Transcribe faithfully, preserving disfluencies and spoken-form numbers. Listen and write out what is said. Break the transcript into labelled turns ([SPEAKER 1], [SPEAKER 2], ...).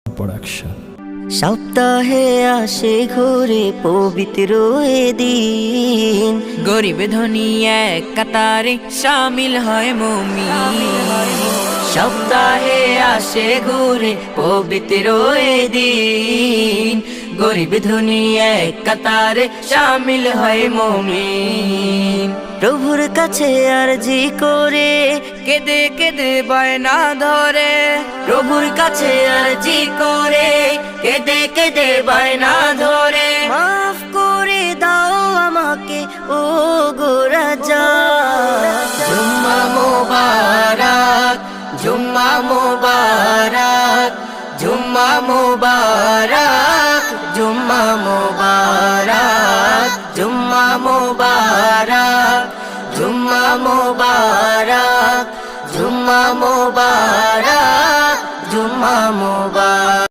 [SPEAKER 1] Production.
[SPEAKER 2] সপ্তাহে আসে ঘুরে পবিত্র এ দিন,
[SPEAKER 3] গরিব ধনী এক কাতারে শামিল হয় মুমিন।
[SPEAKER 2] সপ্তাহে আসে ঘুরে পবিত্র এ দিন, গরিব ধনী এক কাতারে শামিল হয় মুমিন। প্রভুর কাছে আরজি করে
[SPEAKER 3] কেঁদে কেঁদে বায়না ধরে,
[SPEAKER 2] প্রভুর কাছে আরজি করে কেঁদে কেঁদে বায়না ধরে, মাফ করে দাও আমাকে ও গো রাজা। জুম্মা মোবারক, জুম্মা মোবারক, জুম্মা মোবারক, জুম্মা মোবারক, জুম্মা মোবারক, জুম্মা মোবারক, জুম্মা মোবারক, জুম্মা মোবারক।